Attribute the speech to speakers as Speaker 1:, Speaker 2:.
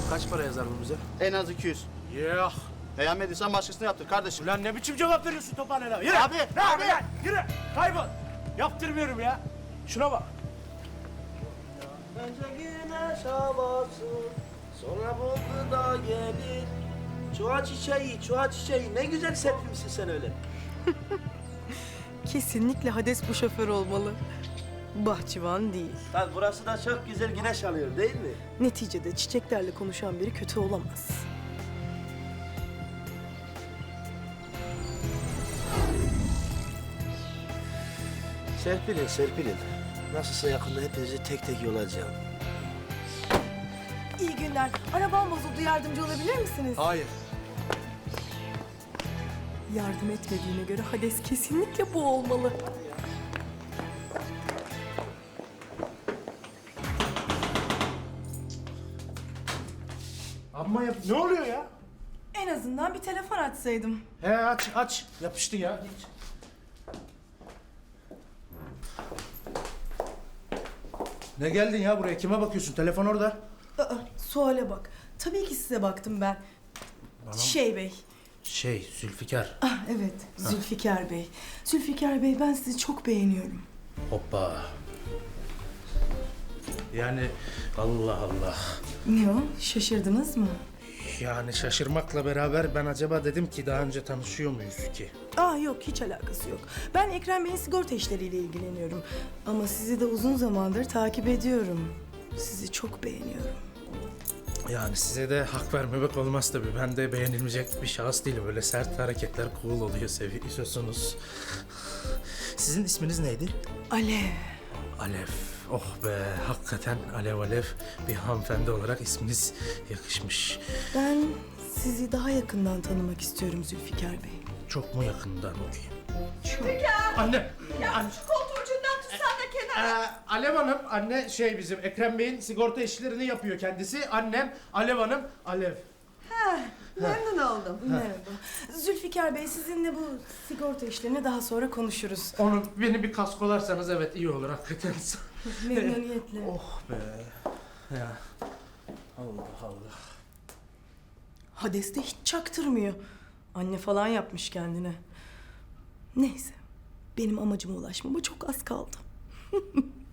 Speaker 1: Kaç para yazar bu bize?
Speaker 2: En az 200.
Speaker 1: Yuh!
Speaker 2: Beğenmediysen başkasına yaptır kardeşim.
Speaker 1: Ulan ne biçim cevap veriyorsun Tophane'yle? Yürü!
Speaker 2: Abi,
Speaker 1: Ne
Speaker 2: abi.
Speaker 1: abi lan? Yürü! Kaybol! Yaptırmıyorum ya. Şuna bak.
Speaker 3: Bence güneş havası, sonra buldu da gelir. Çuha çiçeği, ne güzel serpmişsin sen öyle.
Speaker 4: Kesinlikle Hades bu şoför olmalı. Bahçıvan değil.
Speaker 3: Tabii burası da çok güzel güneş alıyor değil mi?
Speaker 4: Neticede çiçeklerle konuşan biri kötü olamaz.
Speaker 3: Serpilin. Nasılsa yakında hepinizi tek tek yolacağım.
Speaker 4: İyi günler. Arabam bozuldu. Yardımcı olabilir misiniz?
Speaker 1: Hayır.
Speaker 4: Yardım etmediğine göre Hades kesinlikle bu olmalı.
Speaker 1: Amma yap. Ne oluyor ya?
Speaker 4: En azından bir telefon açsaydım.
Speaker 1: He aç. Yapıştı ya. Geç. Ne geldin ya buraya? Kime bakıyorsun? Telefon orada.
Speaker 4: Suale bak. Tabii ki size baktım ben. Bey.
Speaker 1: Zülfikar.
Speaker 4: Ah evet, Zülfikar Bey. Zülfikar Bey, ben sizi çok beğeniyorum.
Speaker 1: Hoppa. Yani Allah Allah.
Speaker 4: Ne o? Şaşırdınız mı?
Speaker 1: Yani şaşırmakla beraber ben acaba dedim ki daha önce tanışıyor muyuz ki?
Speaker 4: Yok, hiç alakası yok. Ben Ekrem Bey'in sigorta işleriyle ilgileniyorum. Ama sizi de uzun zamandır takip ediyorum. Sizi çok beğeniyorum.
Speaker 1: Yani size de hak vermemek olmaz tabii. Ben de beğenilmeyecek bir şahıs değilim. Böyle sert hareketler cool oluyor, seviyorsunuz. Sizin isminiz neydi?
Speaker 4: Alev.
Speaker 1: Alev. Oh be, hakikaten alev bir hanımefendi olarak isminiz yakışmış.
Speaker 4: Ben sizi daha yakından tanımak istiyorum Zülfikar Bey.
Speaker 1: Çok mu yakından okuyayım?
Speaker 4: Çok.
Speaker 1: Anne!
Speaker 5: Ya şu koltuğun ucundan tutsan da kenara.
Speaker 1: Alev Hanım, anne bizim Ekrem Bey'in sigorta işlerini yapıyor kendisi. Annem, Alev Hanım, Alev.
Speaker 5: Memnun oldum.
Speaker 4: Merhaba. Zülfikar Bey, sizinle bu sigorta işlerini daha sonra konuşuruz.
Speaker 1: Beni bir kaskolarsanız evet iyi olur hakikaten.
Speaker 4: Memnuniyetle.
Speaker 1: Oh be. Ya. Allah Allah.
Speaker 4: Hades de hiç çaktırmıyor. Anne falan yapmış kendine. Neyse, benim amacıma ulaşmama çok az kaldı.